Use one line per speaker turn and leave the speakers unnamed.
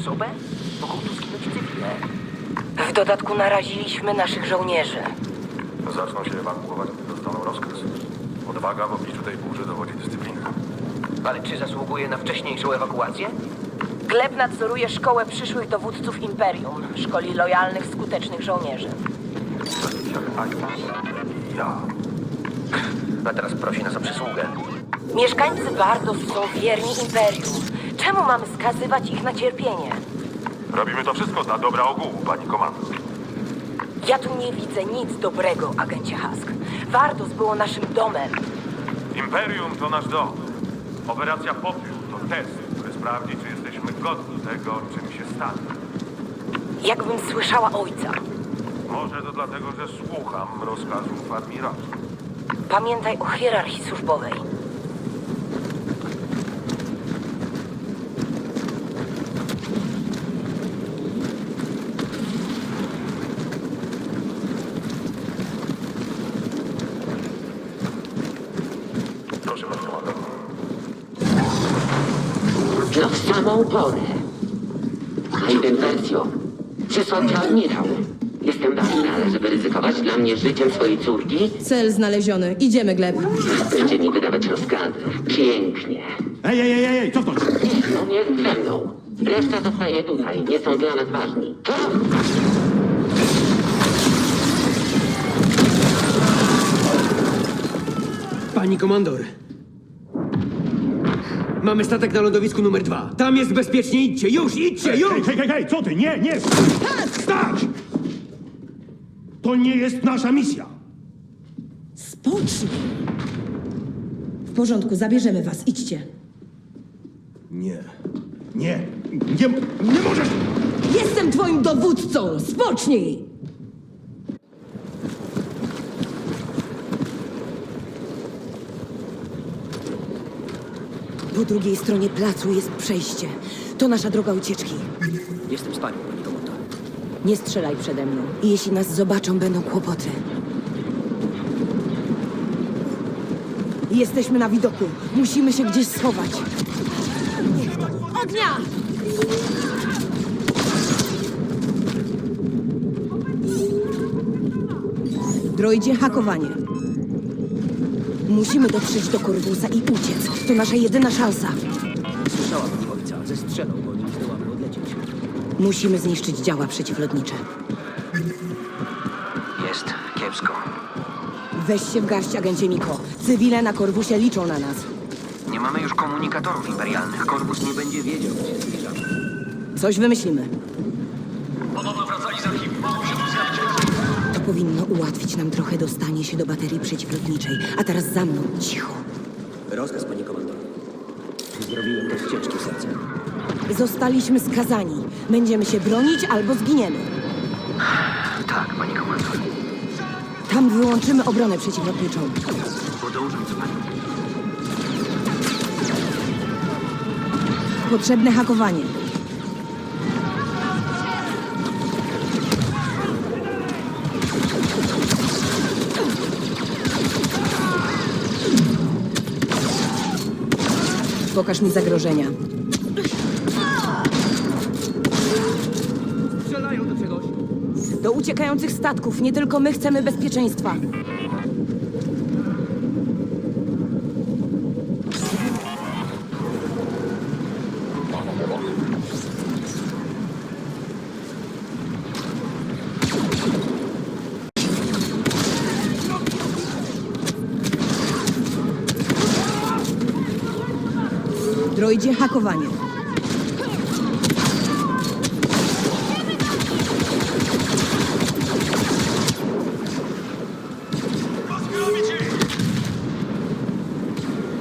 osobę? Mogą tu zginąć cywile. W dodatku naraziliśmy naszych żołnierzy.
Zaczną się ewakuować, gdy dostaną rozkaz. Odwaga w obliczu tej burzy dowodzi dyscypliny.
Ale czy zasługuje na wcześniejszą ewakuację?
Gleb nadzoruje szkołę przyszłych dowódców Imperium. Szkoli lojalnych, skutecznych żołnierzy.
Ja.
A teraz prosi nas o przysługę.
Mieszkańcy Bardos są wierni Imperium. Czemu mamy skazywać ich na cierpienie?
Robimy to wszystko dla dobra ogółu, pani komandor.
Ja tu nie widzę nic dobrego, agencie Husk. Bardos było naszym domem.
Imperium to nasz dom. Operacja Popiół to test, który sprawdzi, czy jesteśmy godni tego, czym się stanie.
Jakbym słyszała ojca.
Może to dlatego, że słucham rozkazów admirała.
Pamiętaj o hierarchii służbowej.
Proszę, pani komandor.
No w samą porę. Inwersjo. Przysłał cię admirał. Jestem na finale, żeby ryzykować dla mnie życiem swojej córki.
Cel znaleziony. Idziemy, Gleb.
Będzie mi wydawać rozkazy. Pięknie.
Ej, cofnąć!
No nie ze mną. Reszta zostaje tutaj. Nie są dla nas ważni.
Pani komandor. Mamy statek na lądowisku numer 2. Tam jest bezpiecznie. Idźcie, już, idźcie, już!
Hej, co ty? Nie! Stać! To nie jest nasza misja.
Spocznij. W porządku, zabierzemy was. Idźcie.
Nie możesz!
Jestem twoim dowódcą. Spocznij! Po drugiej stronie placu jest przejście. To nasza droga ucieczki.
Jestem z panią, pani komandor.
Nie strzelaj przede mną. I jeśli nas zobaczą, będą kłopoty. Jesteśmy na widoku. Musimy się gdzieś schować. Ognia! Droidzie, hakowanie. Musimy dotrzeć do Corvusa i uciec. To nasza jedyna szansa.
Słyszałam ojca. Zestrzelał go, nim zdołamy odlecieć.
Musimy zniszczyć działa przeciwlotnicze.
Jest kiepsko.
Weź się w garść, agencie Miko. Cywile na Corvusie liczą na nas.
Nie mamy już komunikatorów imperialnych. Korpus nie będzie wiedział, gdzie się zbliżamy.
Coś wymyślimy. To powinno ułatwić nam trochę dostanie się do baterii przeciwlotniczej. A teraz za mną, cicho.
Rozkaz, pani komandor. Zrobiłem to z ciężkim sercem.
Zostaliśmy skazani. Będziemy się bronić albo zginiemy.
Tak, pani komandor.
Tam wyłączymy obronę przeciwlotniczą.
Podążam za panią.
Potrzebne hakowanie. Pokaż mi zagrożenia.
Strzelają do czegoś.
Do uciekających statków. Nie tylko my chcemy bezpieczeństwa. Droidzie, hakowanie.